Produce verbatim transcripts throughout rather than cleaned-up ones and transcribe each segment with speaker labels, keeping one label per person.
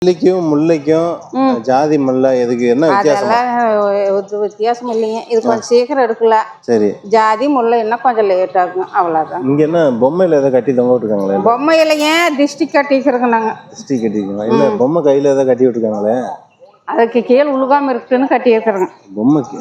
Speaker 1: மல்லிக்கும் முல்லைக்கும் ஜாதி முல்லை எதுக்கு என்ன வித்தியாசம்?
Speaker 2: அதெல்லாம் வித்தியாசம் இல்லைங்க. இது கொஞ்சம் சீக்கிரம் எடுக்கலாம். சரி. ஜாதி முல்லை என்ன கொஞ்சம் லேட் ஆகும், அவ்வளோதான்.
Speaker 1: இங்கே என்ன பொம்மையில் எதாவது கட்டி தொங்க விட்டுருக்காங்களே?
Speaker 2: பொம்மை இல்லைங்க, டிஸ்ட்ரிக் கட்டிக்கிறோங்க நாங்கள்.
Speaker 1: டிஸ்ட்ரிக் கட்டிக்கிறோம் இல்லை, பொம்மை கையில் எதாவது கட்டி விட்டுருக்காங்களே?
Speaker 2: அதுக்கு கீழே உழுகாமல் இருக்குன்னு கட்டி இருக்கிறோங்க.
Speaker 1: பொம்மைக்கு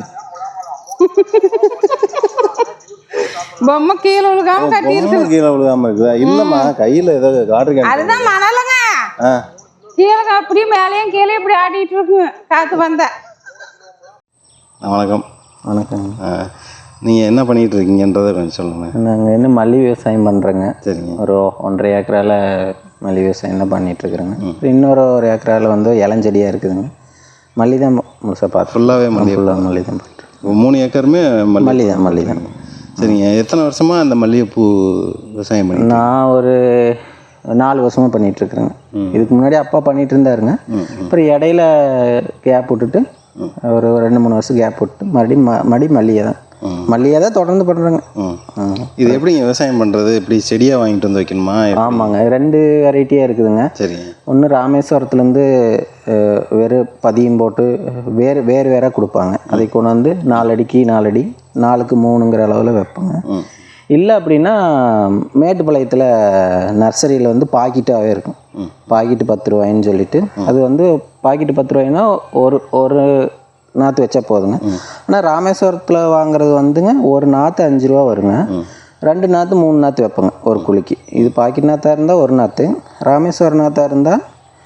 Speaker 2: பொம்மை கீழே உழுகாம கட்டி இருக்கு.
Speaker 1: கீழே உழுகாம இருக்குதா? இல்லம்மா, கையில் ஏதாவது காடு.
Speaker 2: அதுதான் மணலுங்க. கீழே அப்படியே மேலேயும் கீழே இப்படி ஆடிட்டு இருக்குங்க காற்று வந்தா.
Speaker 1: வணக்கம். வணக்கம். நீங்கள் என்ன பண்ணிகிட்டு இருக்கீங்கன்றதை கொஞ்சம் சொல்லுங்கள்.
Speaker 3: நாங்கள் என்ன மல்லி விவசாயம் பண்ணுறோங்க.
Speaker 1: சரிங்க.
Speaker 3: ஒரு ஒன்றரை ஏக்கரால் மல்லி விவசாயம் தான் பண்ணிகிட்ருக்குறேங்க. இன்னொரு ஒரு ஏக்கரால் வந்து இளஞ்செடியாக இருக்குதுங்க. மல்லி தான் முழுசாக பார்த்து
Speaker 1: ஃபுல்லாகவே மல்லி
Speaker 3: ஃபுல்லாக மல்லி தான் பண்ணுறேன்.
Speaker 1: மூணு ஏக்கருமே
Speaker 3: மல்லி தான் மல்லி தான்.
Speaker 1: சரிங்க. எத்தனை வருஷமாக அந்த மல்லிகைப்பூ விவசாயம் பண்ணி?
Speaker 3: நான் ஒரு நாலு வருஷமாக பண்ணிகிட்ருக்குறேங்க. இதுக்கு முன்னாடி அப்பா பண்ணிகிட்டு இருந்தாருங்க. அப்புறம் இடையில கேப் விட்டுட்டு ஒரு ரெண்டு மூணு வருஷம் கேப் விட்டு மறுபடியும் ம மறுபடியும் மல்லிகை தான் மல்லிகை தான் தொடர்ந்து பண்ணுறேங்க.
Speaker 1: இது எப்படிங்க விவசாயம் பண்ணுறது? எப்படி செடியாக வாங்கிட்டு வந்து வைக்கணுமா?
Speaker 3: ஆமாங்க, ரெண்டு வெரைட்டியாக இருக்குதுங்க.
Speaker 1: சரி.
Speaker 3: ஒன்று ராமேஸ்வரத்துலேருந்து வேறு பதியம் போட்டு வேறு வேறு வேறாக கொடுப்பாங்க. அதை கொண்டு வந்து நாலடிக்கு நாலடி நாலுக்கு மூணுங்கிற அளவில் வைப்பாங்க. இல்லை அப்படின்னா மேட்டுப்பாளையத்தில் நர்சரியில் வந்து பாக்கெட்டாகவே இருக்கும். பாக்கெட்டு பத்து ரூபாயின்னு சொல்லிட்டு அது வந்து பாக்கெட்டு பத்து ரூபாய்னா ஒரு ஒரு நாற்று வச்சா போதுங்க. ஆனால் ராமேஸ்வரத்தில் வாங்குறது வந்துங்க ஒரு நாற்று அஞ்சு ரூபா வருங்க. ரெண்டு நாற்று மூணு நாற்று வைப்பேங்க ஒரு குழிக்கு. இது பாக்கெட் நாற்றாக இருந்தால் ஒரு நாற்று, ராமேஸ்வரம் நாற்றாக இருந்தால்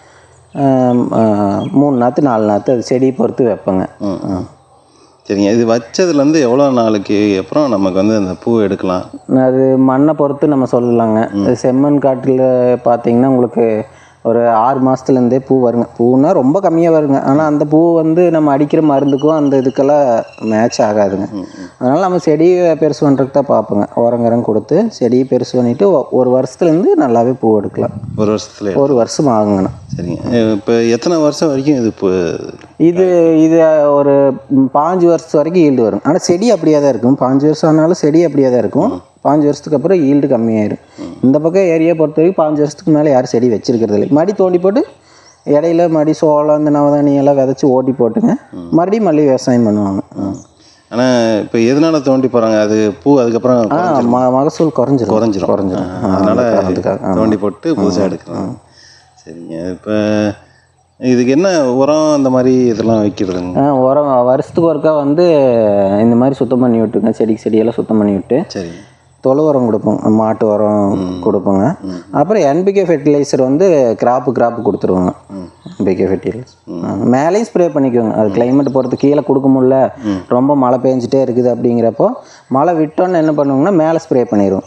Speaker 3: மூணு நாற்று நாலு நாற்று, அது செடியை பொறுத்து வைப்பேங்க.
Speaker 1: சரிங்க. இது வச்சதுலேருந்து எவ்வளோ நாளைக்கு அப்புறம் நமக்கு வந்து அந்த பூ எடுக்கலாம்?
Speaker 3: அது மண்ணை பொறுத்து நம்ம சொல்லலாங்க. செம்மண் காட்டில் பார்த்தீங்கன்னா உங்களுக்கு ஒரு ஆறு மாதத்துலேருந்தே பூ வருங்க. பூன்னா ரொம்ப கம்மியாக வருங்க. ஆனால் அந்த பூ வந்து நம்ம அடிக்கிற மருந்துக்கும் அந்த இதுக்கெல்லாம் மேட்ச் ஆகாதுங்க. அதனால் நம்ம செடியை பெருசு பண்ணுறதுக்கு தான் பார்ப்போங்க. உரங்கரம் கொடுத்து செடியை பெருசு பண்ணிவிட்டு ஒரு வருஷத்துலேருந்து நல்லாவே பூ எடுக்கலாம்.
Speaker 1: ஒரு வருஷத்துல
Speaker 3: ஒரு வருஷம் ஆகுங்கண்ணா.
Speaker 1: சரிங்க. இப்போ எத்தனை வருஷம் வரைக்கும் இது இப்போ
Speaker 3: இது இது ஒரு பாஞ்சு வருஷம் வரைக்கும் ஈல்டு வரும். ஆனால் செடி அப்படியே தான் இருக்கும். பாஞ்சு வருஷம் ஆனாலும் செடி அப்படியே தான் இருக்கும். பாஞ்சு வருஷத்துக்கு அப்புறம் ஈல்டு கம்மியாயிடும். இந்த பக்கம் ஏரியா பொறுத்த வரைக்கும் பாஞ்சு வருஷத்துக்கு மேலே யாரும் செடி வச்சிருக்கிறது இல்லை. மடி தோண்டி போட்டு இடையில மடி சோளம் இந்த நவதானி எல்லாம் விதைச்சி ஓட்டி போட்டுங்க மறுபடியும் மல்லி விவசாயம் பண்ணுவாங்க.
Speaker 1: ஆனால் இப்போ எதனால தோண்டி போகிறாங்க? அது பூ அதுக்கப்புறம்
Speaker 3: ம மகசூல் குறைஞ்சிரும் குறைஞ்சிரும் குறைஞ்சிரும்
Speaker 1: அதனால் அதுக்காக தோண்டி போட்டு புதுசாக எடுக்கலாம். சரிங்க. இப்போ இதுக்கு என்ன உரம் அந்த மாதிரி இதெல்லாம் வைக்கிறதுங்க?
Speaker 3: உரம் வருஷத்துக்கு ஒருக்கா வந்து இந்த மாதிரி சுத்தம் பண்ணி விட்டுங்க. செடிக்கு செடியெல்லாம் சுத்தம் பண்ணி விட்டு
Speaker 1: சரி
Speaker 3: தொழு உரம் கொடுப்போம், மாட்டு உரம் கொடுப்போங்க. அப்புறம் என்பிகே ஃபெர்டிலைசர் வந்து கிராப்பு கிராப்பு கொடுத்துருவோங்க. என்பிகே ஃபெர்டிலைசர் மேலேயும் ஸ்ப்ரே பண்ணிக்குவோங்க. அது கிளைமேட் பொறுத்து கீழே கொடுக்க முடியல, ரொம்ப மழை பெஞ்சிட்டே இருக்குது அப்படிங்கிறப்போ மழை விட்டோன்னு என்ன பண்ணுவோங்கன்னா மேலே ஸ்ப்ரே பண்ணிடுவோம்.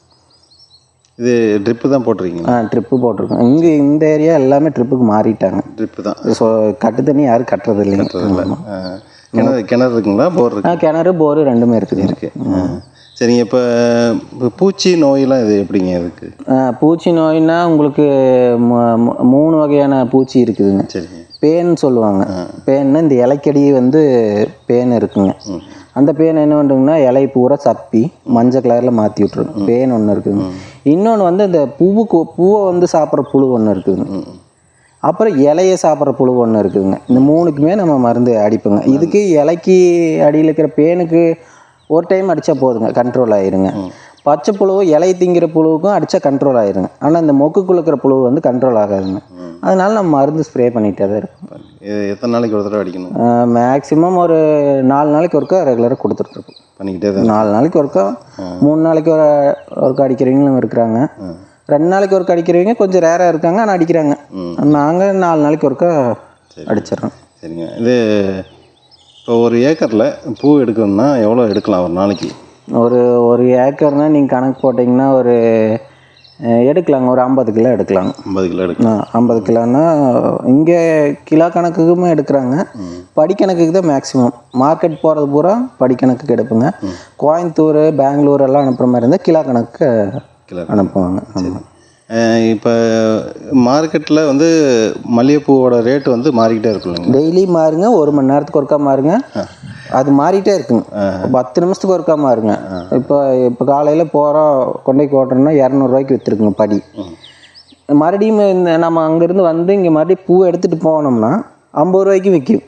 Speaker 1: இது ட்ரிப்பு தான் போட்டிருக்கீங்க?
Speaker 3: ஆ ட்ரிப்பு போட்டிருக்கோம். இங்கே இந்த ஏரியா எல்லாமே ட்ரிப்புக்கு மாறிட்டாங்க.
Speaker 1: ட்ரிப்பு தான்.
Speaker 3: ஸோ கட்டு தண்ணி யாரும் கட்டுறது இல்லைங்க.
Speaker 1: கிணறு கிணறு இருக்குங்களா? போர் இருக்கு?
Speaker 3: கிணறு போர் ரெண்டுமே இருக்குது.
Speaker 1: இருக்கு. சரிங்க. இப்போ பூச்சி நோயெல்லாம் இது எப்படிங்க இதுக்கு?
Speaker 3: பூச்சி நோய்னா உங்களுக்கு மூணு வகையான பூச்சி இருக்குதுங்க.
Speaker 1: சரிங்க. பேன்
Speaker 3: சொல்லுவாங்க. பேன்னா இந்த இலைக்கடி வந்து பேன் இருக்குங்க. அந்த பேன் என்ன பண்ணுறதுன்னா இலை பூரா சப்பி மஞ்சள் கலரில் மாற்றி விட்ருங்க. பேன் ஒன்று இருக்குதுங்க. இன்னொன்று வந்து இந்த பூவுக்கு பூவை வந்து சாப்பிட்ற புழு ஒன்று இருக்குதுங்க. அப்புறம் இலையை சாப்பிட்ற புழு ஒன்று இருக்குதுங்க. இந்த மூணுக்குமே நம்ம மருந்து அடிப்போங்க. இதுக்கு இலைக்கு அடியில் இருக்கிற பேனுக்கு ஒரு டைம் அடித்தா போதுங்க, கண்ட்ரோல் ஆயிருங்க. பச்சை புழுவும் இலை திங்கிற புழுவுக்கும் அடித்தா கண்ட்ரோல் ஆயிருங்க. ஆனால் இந்த மொக்குக்குள்ள இருக்கிற புழு வந்து கண்ட்ரோல் ஆகாதுங்க. அதனால நம்ம மருந்து ஸ்ப்ரே பண்ணிகிட்டே தான் இருக்கும்.
Speaker 1: எத்தனை நாளைக்கு ஒரு தடவை அடிக்கணும்?
Speaker 3: மேக்ஸிமம் ஒரு நாலு நாளைக்கு ஒருக்கா ரெகுலராக கொடுத்துட்ருக்கோம்.
Speaker 1: பண்ணிக்கிட்டே தான்.
Speaker 3: நாலு நாளைக்கு ஒருக்கா, மூணு நாளைக்கு ஒரு ஒருக்கா அடிக்கிறவங்களும் இருக்கிறாங்க. ரெண்டு நாளைக்கு ஒருக்கா அடிக்கிறவங்க கொஞ்சம் ரேராக இருக்காங்க, ஆனால் அடிக்கிறாங்க. நாங்கள் நாலு நாளைக்கு ஒருக்கா அடிச்சிடறோம்.
Speaker 1: சரிங்க. இது இப்போ ஒரு ஏக்கரில் பூ எடுக்கணும்னா எவ்வளோ எடுக்கலாம் ஒரு நாளைக்கு?
Speaker 3: ஒரு ஒரு ஏக்கர்னால் நீங்கள் கணக்கு போட்டிங்கன்னா ஒரு எடுக்கலாங்க, ஒரு ஐம்பது கிலோ எடுக்கலாங்க.
Speaker 1: ஐம்பது கிலோ எடுக்கலாம்.
Speaker 3: ஐம்பது கிலோன்னா இங்கே கிலோ கணக்குக்குமே எடுக்கிறாங்க. படிக்கணக்குக்கு தான் மேக்ஸிமம். மார்க்கெட் போகிறது பூரா படிக்கணக்குக்கு எடுப்புங்க. கோயம்புத்தூர் பெங்களூர் எல்லாம் அனுப்புகிற மாதிரி இருந்தால் கிலோ கணக்கு கிலோ அனுப்புவாங்க. ஆமாம்.
Speaker 1: இப்போ மார்க்கெட்டில் வந்து மல்லிகைப்பூவோட ரேட்டு வந்து மாறிக்கிட்டே இருக்குல்லைங்க?
Speaker 3: டெய்லி மாறுங்க, ஒரு மணி நேரத்துக்கு ஒருக்கா மாறுங்க. அது மாறிட்டே இருக்குங்க. பத்து நிமிஷத்துக்கு ஒருக்கா மாறுங்க. இப்போ இப்போ காலையில் போகிறோம் கொண்டை ஓட்டுறோம்னா இரநூறுவாய்க்கு விற்றுருக்குங்க படி. மறுபடியும் இந்த நம்ம அங்கேருந்து வந்து இங்கே மறுபடியும் பூ எடுத்துகிட்டு போனோம்னா ஐம்பது ரூபாய்க்கும் விற்கும்.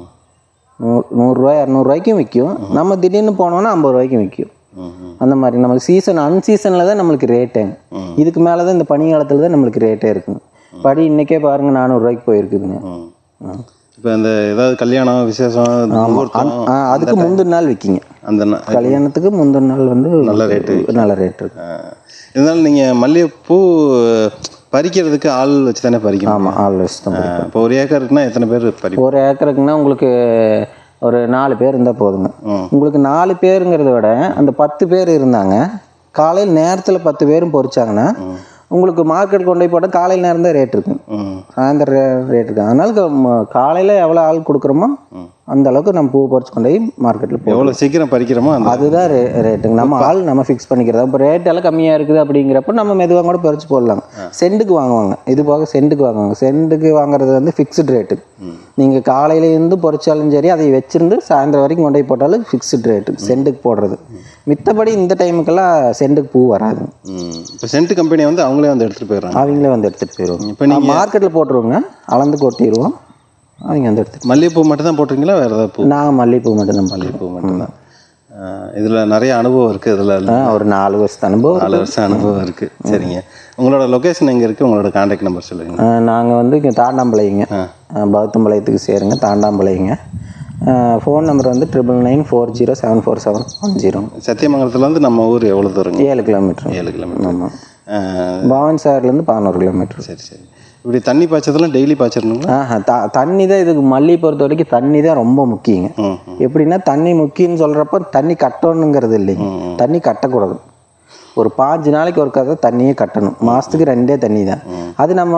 Speaker 3: நூறு நூறுரூவா இரநூறுவாய்க்கும் விற்கும். நம்ம திடீர்னு போனோம்னா ஐம்பது ரூபாய்க்கும் விற்கும். அந்த மாதிரி நமக்கு சீசன் அன்சீசனில் தான் நம்மளுக்கு ரேட்டுங்க. இதுக்கு மேலே தான் இந்த பனி காலத்தில் தான் நம்மளுக்கு ரேட்டே இருக்குங்க. படி இன்றைக்கே பாருங்கள் நானூறுரூவாய்க்கு போயிருக்குதுங்க.
Speaker 1: இப்போ இந்த ஏதாவது கல்யாணம் விசேஷம்
Speaker 3: அதுக்கு முந்தின நாள் விற்கிங்க. அந்த கல்யாணத்துக்கு முந்தின நாள் வந்து நல்ல ரேட்டு நல்ல ரேட்டு இருக்கு.
Speaker 1: இருந்தாலும் நீங்கள் மல்லிகைப்பூ பறிக்கிறதுக்கு ஆள் வச்சு தானே பறிக்கணும்?
Speaker 3: ஆமாம், ஆள் வச்சு தான்.
Speaker 1: இப்போ ஒரு ஏக்கருக்குன்னா எத்தனை பேர் பறி?
Speaker 3: ஒரு ஏக்கருக்குன்னா உங்களுக்கு ஒரு நாலு பேர் இருந்தால் போதுங்க. உங்களுக்கு நாலு பேருங்கிறத விட அந்த பத்து பேர் இருந்தாங்க காலையில் நேரத்தில் பத்து பேரும் பொறிச்சாங்கன்னா உங்களுக்கு மார்க்கெட் கொண்டு போய் போட்டால் காலையில் நேரம் தான் ரேட் இருக்கும், சாயந்தரம் ரேட் இருக்கும். அதனால காலையில் எவ்வளோ ஆள் கொடுக்குறோமோ அந்த அளவுக்கு நம்ம பூ பறிச்சு கொண்டு போய் மார்க்கெட்டில் போய்
Speaker 1: எவ்வளோ சீக்கிரம் பறிக்கிறோமோ
Speaker 3: அதுதான் ரே ரேட்டுங்க. நம்ம ஆள் நம்ம ஃபிக்ஸ் பண்ணிக்கிறதா. இப்போ ரேட் எல்லாம் கம்மியாக இருக்குது அப்படிங்கிறப்ப நம்ம மெதுவாக கூட பறிச்சு போடலாங்க. சென்ட்டுக்கு வாங்குவாங்க, இது போக சென்ட்டுக்கு வாங்குவாங்க. சென்ட்டுக்கு வாங்குறது வந்து ஃபிக்ஸ்டு ரேட்டு. நீங்கள் காலையிலேருந்து பொறிச்சாலும் சரி அதை வச்சுருந்து சாயந்தரம் வரைக்கும் கொண்டு போய் போட்டாலும் ஃபிக்ஸ்டு ரேட்டு சென்ட்டுக்கு போடுறது. மித்தபடி இந்த டைமுக்கெல்லாம் சென்ட்டுக்கு பூ வராது.
Speaker 1: இப்போ சென்ட் கம்பெனி வந்து அவங்களே வந்து எடுத்துகிட்டு போயிடுறாங்க.
Speaker 3: அவங்களே வந்து எடுத்துகிட்டு போயிடுவாங்க. இப்போ நீங்கள் மார்க்கெட்டில் போட்டுருவோங்க, அளந்து கொட்டிடுவோம், அவங்க வந்து எடுத்து.
Speaker 1: மல்லிகைப்பூ மட்டும் தான் போட்டிருக்கீங்களா வேறு ஏதாவது பூ?
Speaker 3: நாங்கள் மல்லிகைப்பூ மட்டும் தான்.
Speaker 1: மல்லிகைப்பூ மட்டும்தான். இதில் நிறைய அனுபவம் இருக்குது. இதில்
Speaker 3: ஒரு நாலு வருஷம் அனுபவம்
Speaker 1: நாலு வருஷம் அனுபவம் இருக்குது. சரிங்க, உங்களோட லொக்கேஷன் எங்கே இருக்குது? உங்களோட கான்டாக்ட் நம்பர் சொல்லுங்கள்.
Speaker 3: நாங்கள் வந்து இங்கே தாண்டாம்பாளையங்க, பௌத்தம்பாளையத்துக்கு சேருங்க, தாண்டாம்பாளையங்க. ஃபோன் நம்பர் வந்து triple nine four zero seven four seven one zero.
Speaker 1: சத்தியமங்கலத்துலேருந்து நம்ம ஊர் எவ்வளோ தூரம்?
Speaker 3: ஏழு கிலோமீட்டர்.
Speaker 1: ஏழு கிலோமீட்டர்.
Speaker 3: ஆமாம். பவானி சாகர்லேருந்து பதினோரு கிலோமீட்டர்.
Speaker 1: சரி சரி. இப்படி தண்ணி பாய்ச்சதெல்லாம் டெய்லி பாய்ச்சிடணுங்களா?
Speaker 3: ஆஹா, த தண்ணி தான் இதுக்கு மல்லி பொறுத்த வரைக்கும் தண்ணி தான் ரொம்ப முக்கியங்க. எப்படின்னா தண்ணி முக்கியம்னு சொல்கிறப்ப தண்ணி கட்டணுங்கிறது இல்லைங்க, தண்ணி கட்டக்கூடாது. ஒரு பாஞ்சு நாளைக்கு ஒரு கதை தண்ணியே கட்டணும். மாதத்துக்கு ரெண்டே தண்ணி தான். அது நம்ம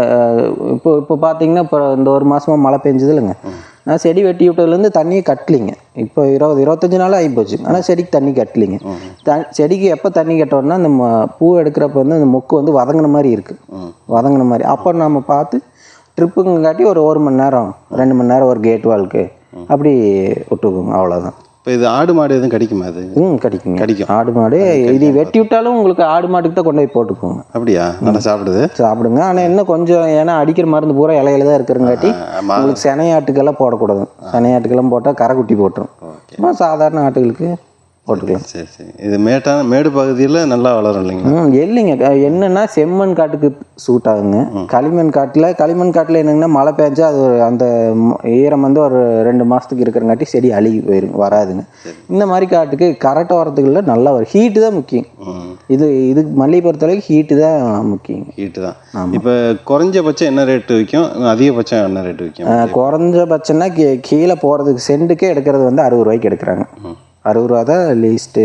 Speaker 3: இப்போ இப்போ பார்த்தீங்கன்னா இப்போ இந்த ஒரு மாதமாக மழை பெஞ்சது இல்லைங்க, நான் செடி வெட்டி விட்டதுலேருந்து தண்ணியை கட்டலிங்க. இப்போ இருபது இருபத்தஞ்சி நாள் ஆகி போச்சு, ஆனால் செடிக்கு தண்ணி கட்டலிங்க. த செடிக்கு எப்போ தண்ணி கட்டோம்னா அந்த பூ எடுக்கிறப்ப வந்து அந்த மொக்கு வந்து வதங்கின மாதிரி இருக்குது, வதங்கின மாதிரி. அப்போ நம்ம பார்த்து ட்ரிப்புங்க காட்டி ஒரு ஒரு மணி நேரம் ரெண்டு மணி நேரம் ஒரு கேட் வால்க்கு அப்படி விட்டுக்குங்க, அவ்வளோதான்.
Speaker 1: இப்போ இது ஆடு மாடு எதுவும் கிடைக்குமா? அது
Speaker 3: ம் கிடைக்குங்க, கிடைக்கும். ஆடு மாடு இது வெட்டி விட்டாலும் உங்களுக்கு ஆடு மாட்டுக்கு தான் கொண்டு போய் போட்டுக்கோங்க.
Speaker 1: அப்படியா? நல்லா சாப்பிடுது, சாப்பிடுங்க.
Speaker 3: ஆனால் என்ன கொஞ்சம் ஏன்னா அடிக்கிற மருந்து பூரா இலையில தான் இருக்கிறங்காட்டி உங்களுக்கு செனையாட்டுக்கெல்லாம் போடக்கூடாது. செனையாட்டுக்கெல்லாம் போட்டால் கரை குட்டி போட்டுரும். சும்மா சாதாரண ஆட்டுகளுக்கு போட்டுக்கலாம்.
Speaker 1: சரி சரி. இது மேட்டான மேடு பகுதியில் நல்லா வளரும் இல்லைங்களா?
Speaker 3: ம் இல்லைங்க, என்னென்னா செம்மண் காட்டுக்கு சூட் ஆகுங்க. களிமண் காட்டில் களிமண் காட்டில் என்னங்கன்னா மழை பெஞ்சா அது அந்த ஈரம் வந்து ஒரு ரெண்டு மாதத்துக்கு இருக்கிறங்காட்டி செடி அழுகி போயிருங்க, வராதுங்க. இந்த மாதிரி காட்டுக்கு கரெக்டாக வரத்துக்குள்ள நல்லா வரும். ஹீட்டு தான் முக்கியம். இது இது மல்லிகை பொறுத்தளவுக்கு ஹீட்டு தான் முக்கியம்.
Speaker 1: ஹீட்டு தான். இப்போ குறைஞ்சபட்சம் என்ன ரேட்டு விற்கும், அதிகபட்சம் என்ன ரேட்டு விற்கும்?
Speaker 3: குறைஞ்சபட்சம்னா கீழே போகிறதுக்கு சென்ட்டுக்கே எடுக்கிறது வந்து அறுபது ரூபாய்க்கு எடுக்கிறாங்க. அறுபது ரூபா தான் லீஸ்ட்டு.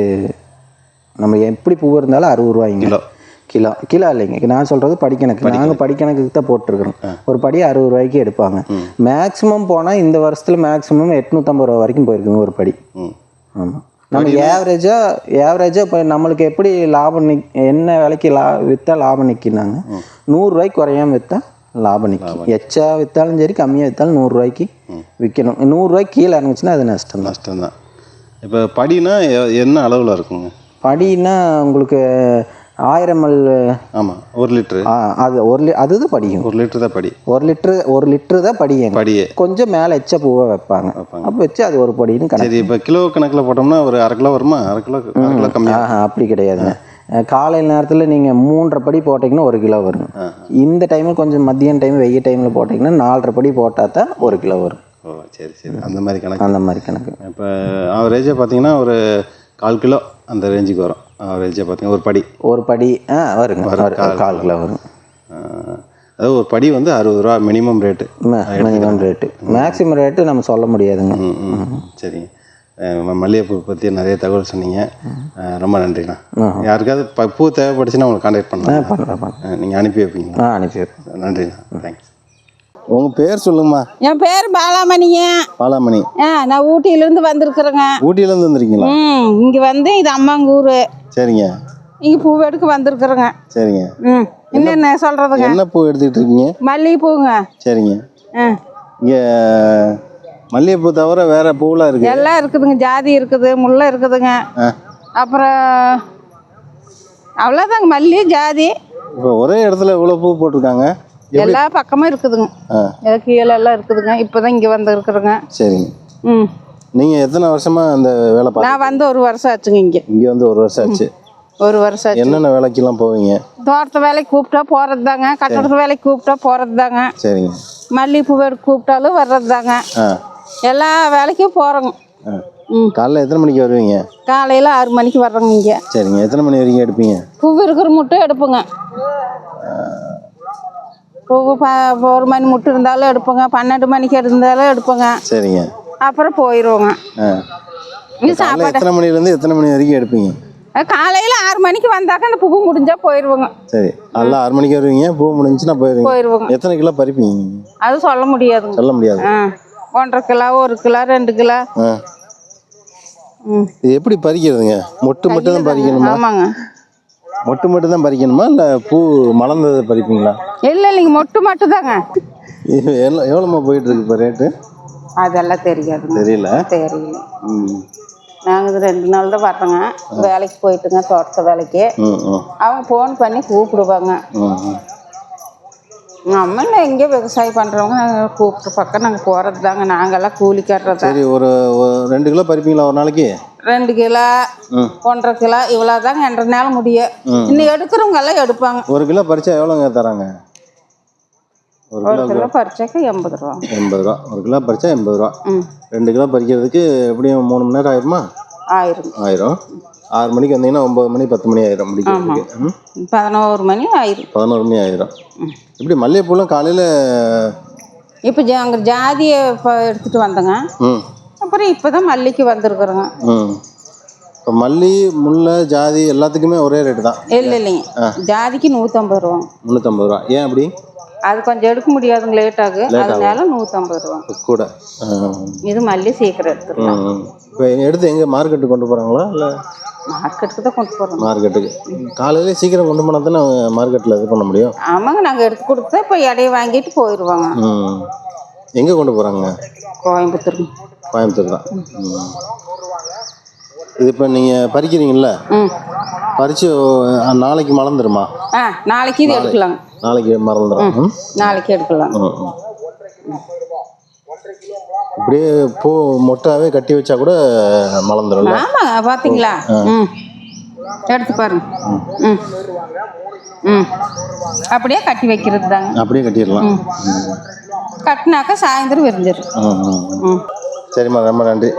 Speaker 3: நம்ம எப்படி பூ இருந்தாலும் அறுபது ரூபாய்ங்க கிலோ. கிலோ கிலோ இல்லைங்க, நான் சொல்கிறது படிக்கணக்கு. நாங்கள் படிக்கணக்குக்கு தான் போட்டிருக்கிறோம். ஒரு படி அறுபது ரூபாய்க்கு எடுப்பாங்க. மேக்ஸிமம் போனால் இந்த வருஷத்தில் மேக்ஸிமம் எட்நூற்றம்பது ரூபா வரைக்கும் போயிருக்குங்க ஒரு படி. ஆமாம். நம்ம ஏவரேஜாக ஏவரேஜாக இப்போ நம்மளுக்கு எப்படி லாபம் நிக் என்ன விலைக்கு லா விற்றா லாபம் நிற்கினாங்க, நூறுரூவாய்க்கு குறையாமல் விற்றா லாபம் நிற்கும். எச்சா விற்றாலும் சரி கம்மியாக விற்றாலும் நூறுரூவாய்க்கு விற்கணும். நூறுரூவாய்க்கு கீழே இறங்குச்சுன்னா அது நஷ்டம்
Speaker 1: நஷ்டம் தான். இப்போ படினா என்ன அளவில் இருக்குங்க?
Speaker 3: படினா உங்களுக்கு ஆயிரம் மல்.
Speaker 1: ஆமாம், ஒரு லிட்ரு.
Speaker 3: அது ஒரு லி அதுதான் படியும்.
Speaker 1: ஒரு லிட்டரு தான் படி.
Speaker 3: ஒரு லிட்ரு ஒரு லிட்ரு தான் படியும்.
Speaker 1: படியே கொஞ்சம்
Speaker 3: மேலே எச்ச பூவை வைப்பாங்க. அப்போ வச்சு அது ஒரு படின்னு கணக்கு.
Speaker 1: சரி, இப்போ கிலோ கணக்கில் போட்டோம்னா ஒரு அரை கிலோ வருமா? அரை கிலோ அரை கிலோ கம்மியாக?
Speaker 3: அப்படி கிடையாதுங்க. காலையில் நேரத்தில் நீங்கள் மூன்றரை படி போட்டிங்கன்னா ஒரு கிலோ வரும். இந்த டைமில் கொஞ்சம் மதியம் டைம் வெய்ய டைமில் போட்டிங்கன்னா நாலரை படி போட்டால் தான் ஒரு கிலோ வரும்.
Speaker 1: ஓ சரி சரி. அந்த மாதிரி கணக்கு.
Speaker 3: அந்த மாதிரி கணக்கு.
Speaker 1: இப்போ ஆவரேஜாக பார்த்தீங்கன்னா ஒரு கால் கிலோ அந்த ரேஞ்சுக்கு வரும். ஆவரேஜாக பார்த்தீங்கன்னா ஒரு படி ஒரு படி ஆ வருங்க, கால் கிலோ வரும். அதாவது ஒரு படி வந்து அறுபது ரூபா minimum rate. Minimum rate. Maximum rate நம்ம சொல்ல முடியாதுங்க. ம் சரிங்க. மல்லிகைப்பூ பற்றி நிறைய தகவல் சொன்னீங்க, ரொம்ப நன்றிண்ணா. யாருக்காவது பூ தேவைப்படுச்சுன்னா உங்களுக்கு கான்டாக்ட் பண்ணலாம். பண்ணலாம். நீங்கள் அனுப்பி வைப்பீங்களா? ஆ அனுப்பி வைப்பேன். நன்றிண்ணா, தேங்க்ஸ். உங்கள் பேர் சொல்லுங்கம்மா.
Speaker 2: என் பேர் பாலாமணிங்க.
Speaker 1: பாலாமணி.
Speaker 2: ஆ நான் ஊட்டியிலேருந்து வந்திருக்கிறேங்க.
Speaker 1: ஊட்டியிலேருந்து வந்துருக்கீங்களா?
Speaker 2: ம் இங்கே வந்து இது அம்மாங்க ஊர்.
Speaker 1: சரிங்க.
Speaker 2: இங்கே பூ எடுக்க வந்திருக்கிறேங்க.
Speaker 1: சரிங்க.
Speaker 2: ம் என்னென்ன சொல்கிறதுங்க?
Speaker 1: என்ன பூ எடுத்துக்கிட்டு இருக்கீங்க?
Speaker 2: மல்லிகைப்பூங்க.
Speaker 1: சரிங்க.
Speaker 2: ஆ
Speaker 1: இங்கே மல்லிகைப்பூ தவிர வேற பூவெலாம் இருக்குது?
Speaker 2: எல்லாம் இருக்குதுங்க. ஜாதி இருக்குது, முல்லை இருக்குதுங்க, அப்புறம் அவ்வளோதாங்க. மல்லி, ஜாதி,
Speaker 1: இப்போ ஒரே இடத்துல இவ்வளோ பூ போட்டிருக்காங்க.
Speaker 2: எல்லா பக்கமும் இருக்குதுங்க.
Speaker 1: ஆ
Speaker 2: கீழே எல்லாம் இருக்குதுங்க. இப்போ தான் இங்கே வந்து இருக்கிறேங்க.
Speaker 1: சரிங்க.
Speaker 2: ம்
Speaker 1: நீங்கள் எத்தனை வருஷமாக அந்த வேலை பார்த்து?
Speaker 2: நான் வந்து ஒரு வருஷம் ஆச்சுங்க. இங்கே
Speaker 1: இங்கே வந்து ஒரு வருஷம் ஆச்சு.
Speaker 2: ஒரு வருஷம் ஆச்சு.
Speaker 1: என்னென்ன வேலைக்கெல்லாம் போவீங்க?
Speaker 2: தோட்டத்து வேலைக்கு கூப்பிட்டா போகிறது தாங்க. கட்டடத்து வேலைக்கு கூப்பிட்டா போகிறது தாங்க.
Speaker 1: சரிங்க.
Speaker 2: மல்லிகைப்பூ எடுக்க கூப்பிட்டாலும் வர்றது தாங்க.
Speaker 1: ஆ
Speaker 2: எல்லா வேலைக்கும் போகிறோங்க.
Speaker 1: ஆ
Speaker 2: ம்
Speaker 1: காலைல எத்தனை மணிக்கு வருவீங்க?
Speaker 2: காலையில் ஆறு மணிக்கு வர்றோங்க இங்கே.
Speaker 1: சரிங்க. எத்தனை மணி வரைக்கும் எடுப்பீங்க?
Speaker 2: பூ இருக்கிற முட்டை எடுப்போங்க. பூ ப ஒரு மணி முட்டை இருந்தாலும் எடுப்போங்க. பன்னெண்டு மணிக்கு இருந்தாலும் எடுப்போங்க.
Speaker 1: சரிங்க.
Speaker 2: அப்புறம் போயிடுவோங்க.
Speaker 1: ஆ
Speaker 2: இது சாப்பாடு
Speaker 1: எத்தனை மணிலேருந்து எத்தனை மணி வரைக்கும் எடுப்பீங்க?
Speaker 2: காலையில் ஆறு மணிக்கு வந்தாக்க அந்த பூ முடிஞ்சால் போயிடுவோங்க.
Speaker 1: சரி. நல்லா ஆறு மணிக்கு வருவீங்க, பூ முடிஞ்சுன்னா போயிடுவீங்க.
Speaker 2: போயிடுவோங்க.
Speaker 1: எத்தனை கிலோ பறிப்பீங்க?
Speaker 2: அது சொல்ல முடியாதுங்க.
Speaker 1: சொல்ல முடியாது.
Speaker 2: ஆ ஒன்றரை கிலோ, ஒரு கிலோ, ரெண்டு கிலோ.
Speaker 1: ஆ
Speaker 2: ம்
Speaker 1: இது எப்படி பறிக்கிறதுங்க? மொட்டு மட்டும் தான் பறிக்கணுமா?
Speaker 2: ஆமாங்க.
Speaker 1: மொட்டு மட்டும் தான் பறிக்கணுமா இல்லை பூ மலர்ந்ததை பறிப்பீங்களா?
Speaker 2: இல்லை இல்லைங்க, மொட்டு மட்டும் தாங்க.
Speaker 1: இது எவ்வளோ எவ்வளோமா போயிட்டு இருக்கு இப்போ ரேட்டு?
Speaker 2: அதெல்லாம் தெரியாதுங்க.
Speaker 1: தெரியல.
Speaker 2: தெரியல.
Speaker 1: ம்
Speaker 2: நாங்கள் இது ரெண்டு நாள் தான் வர்றோங்க. வேலைக்கு போயிட்டுங்க, தோட்டத்து வேலைக்கு.
Speaker 1: ம் ம்
Speaker 2: அவங்க ஃபோன் பண்ணி கூப்பிடுவாங்க.
Speaker 1: ம் ம்
Speaker 2: நம்ம எங்கே விவசாயம் பண்ணுறவங்க கூப்பிட்டு பக்கம் நாங்கள் போகிறது தாங்க. நாங்கள்லாம் கூலி கட்டுறது.
Speaker 1: சரி. ஒரு ஒரு ரெண்டு கிலோ பறிப்பீங்களா ஒரு நாளைக்கு?
Speaker 2: ரெண்டு கிலோ, ஒன்றரை கிலோ, இவ்வளோ தாங்க என்ற நேரம் முடியும். இன்னும் எடுக்கிறவங்க எல்லாம் எடுப்பாங்க.
Speaker 1: ஒரு கிலோ பறிச்சா எவ்வளோங்க தராங்க? ஒரு
Speaker 2: ஒரு
Speaker 1: கிலோ
Speaker 2: கிலோ பறிச்சாக்க எண்பது ரூபா.
Speaker 1: எண்பது ரூபா. ஒரு கிலோ பறிச்சா எண்பது ரூபா.
Speaker 2: ம்
Speaker 1: ரெண்டு கிலோ பறிக்கிறதுக்கு எப்படியும் மூணு மணி நேரம் ஆயிருமா?
Speaker 2: ஆயிரம்.
Speaker 1: ஆயிரம். ஆறு மணிக்கு வந்தீங்கன்னா ஒம்பது மணி பத்து மணி ஆயிரும் முடிக்கிறதுக்கு. ம்
Speaker 2: பதினோரு மணி ஆயிரும்.
Speaker 1: பதினோரு மணி ஆயிரும். இப்படி மல்லிகைப்பூலாம் காலையில்
Speaker 2: இப்போ ஜா அங்கே ஜாதியை இப்போ எடுத்துகிட்டு வந்தேங்க.
Speaker 1: ம்
Speaker 2: அப்புறம் இப்போ தான் மல்லிக்கு வந்திருக்குறோங்க.
Speaker 1: ம் இப்போ மல்லி, முல்லை, ஜாதி எல்லாத்துக்குமே ஒரே ரேட்டு தான்?
Speaker 2: இல்லை இல்லைங்க, ஜாதிக்கு நூற்றம்பது ரூபா.
Speaker 1: முந்நூற்றம்பது ரூபா. ஏன் அப்படி?
Speaker 2: அது கொஞ்சம் எடுக்க முடியாதுங்க, லேட் ஆகும். அதனால நூற்றம்பது ரூபா
Speaker 1: கூட.
Speaker 2: இது மல்லி சீக்கிரம் எடுத்துக்கலாம்.
Speaker 1: இப்போ எடுத்து எங்கே மார்க்கெட்டுக்கு கொண்டு போகிறாங்களா இல்லை?
Speaker 2: மார்க்கெட்டுக்கு தான் கொண்டு போகிறோம்.
Speaker 1: மார்க்கெட்டுக்கு காலையிலே சீக்கிரம் கொண்டு போனால் தானே மார்க்கெட்டில் இது பண்ண முடியும்.
Speaker 2: ஆமாங்க, நாங்கள் எடுத்து கொடுத்தா இப்போ எடையை வாங்கிட்டு போயிடுவாங்க.
Speaker 1: ம் எங்கே கொண்டு போகிறாங்க?
Speaker 2: கோயம்புத்தூர்.
Speaker 1: கோயம்புத்தூர் தான். ம் இது இப்போ நீங்கள் பறிக்கிறீங்கள,
Speaker 2: ம்
Speaker 1: பறித்து நாளைக்கு மறந்துடுமா?
Speaker 2: ஆ நாளைக்கு இது எடுக்கலாங்க.
Speaker 1: நாளைக்கு மறந்துடும்.
Speaker 2: நாளைக்கு எடுக்கலாம்.
Speaker 1: ம் இப்படியே பூ மொட்டாவே கட்டி வச்சா கூட மலர்ந்துடும்.
Speaker 2: ஆமாங்க, பார்த்தீங்களா? ம் எடுத்து பாருங்க. ம் ம் அப்படியே கட்டி வைக்கிறது தாங்க.
Speaker 1: அப்படியே கட்டிடலாம்.
Speaker 2: கட்டினாக்கா சாயந்தரம் விரிஞ்சிடும்.
Speaker 1: ம் ம் சரிம்மா, ரொம்ப நன்றி.